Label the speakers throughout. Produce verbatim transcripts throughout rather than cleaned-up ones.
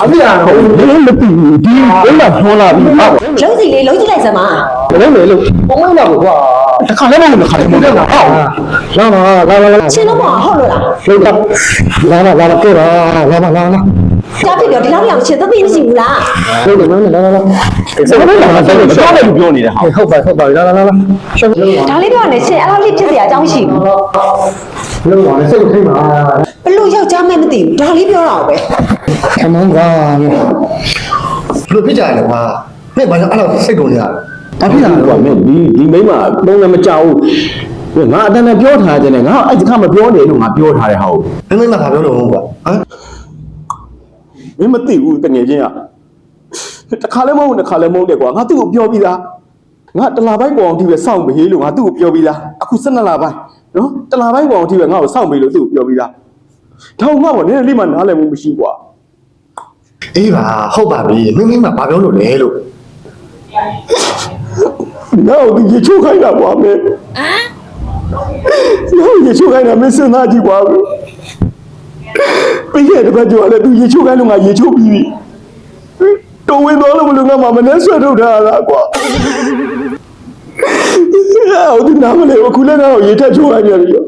Speaker 1: အမေကလည်းမသိဘူးဒီဘယ်မှာပြောလာပြီဟုတ်
Speaker 2: လုံးစီလေးလုံးကြည့်လိုက်စမ်းပါ
Speaker 1: ဘယ်လိုလဲလို့ပုံမှန်တော့ကွာတစ်ခါလည်းမဟုတ်တစ်ခါလည်းမဟုတ်ဟုတ်လာလာလာလာ
Speaker 2: ချင်းတော့မဟုတ်လို့လား
Speaker 1: လာလာလာလာကဲပါလာလာလာလာ
Speaker 2: ကြားပြီတော့ဒီလောက်အောင်ချင်းသမီးမရှိဘူးလား
Speaker 1: ဟုတ်တယ်နော်လာလာလာစကားလည်းလာတယ်ပြောတယ်ပြောနေတယ်ဟာဟုတ်ပါဟုတ်ပါလာလာလာလာရှောင်းလုံး
Speaker 2: ဒါလေးပြောနေချင်းအဲ့လိုလေးဖြစ်เสียအကြောင်းရှိဘူး
Speaker 1: လုံးပါလေစိတ်ထိတ်ပါ
Speaker 2: ဘလို့ယောက်ျားမဲမသိဘူးဒါလေးပြောတာပဲ
Speaker 1: အမှန်ကွာ
Speaker 3: ဘလို့ဖြစ်ကြရလဲကွာမင်းဘာလို့အဲ့လိုစိတ်ကုန်နေရလဲ
Speaker 1: ဘာဖြစ်လာလဲကွာမင်းဒီဒီမိန်းမပုံလည်းမကြောက်ဘူးငါအတန်းနဲ့ပြောထားတယ်ငါအဲ့ဒီခါမပြောနေလို့ငါပြောထားတယ်ဟာဟုတ်
Speaker 3: မင်းမင်းမဘာပြောလို့ကွာဟမ်
Speaker 1: မင်းမသိဘူးတငယ်ချင်းကတစ်ခါလည်းမဟုတ်တစ်ခါလည်းမဟုတ်တယ်ကွာငါသူ့ကိုပြောပြီးသားငါတလာပိုင်းကောင်အထိပဲစောင့်ပေးလို့ငါသူ့ကိုပြောပြီးသားအခု၁၂လပိုင်းနော်တလာပိုင်းကောင်အထိပဲငါ့ကိုစောင့်ပေးလို့သူ့ကိုပြောပြီးသားတော့ငါ့ဘောနည်းနည်းလေးမှနားလည်မှုမရှိကွာ
Speaker 3: အေးပါဟုတ်ပါပြီမင်းမင်းမဘာပြောလို့လဲလို့
Speaker 1: ငါ့ကိုရေချိုးခိုင်းတာကွာမင်းဟမ်ငါ့ကိုရေချိုးခိုင်းတာမင်းစဉ်းစားကြည့်ကွာပြီးခဲ့တဲ့ဘက်ကျော်လည်းသူရေချိုးခိုင်းလို့ငါရေချိုးပြီးပြီတော်ဝင်သွားလို့မလို့ငါမှမနှဲဆွဲထုတ်ထားတာကွာအော်ဒီနားမလဲအခုလည်းငါ့ကိုရေထက်ချိုးခိုင်းပြန်ပြီငါ့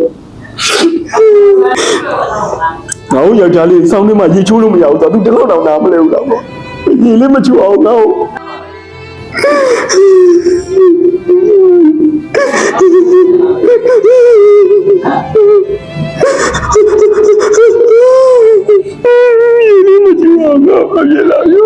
Speaker 1: ကိုယောက်ျားလေးစောင်းထဲမှာရေချိုးလို့မရဘူးဆိုတော့ तू တလောက်တောင်နားမလဲဘူးတော့ရေလေးမချိုးအောင်ငါ့ကို你们今晚干嘛去了？哟。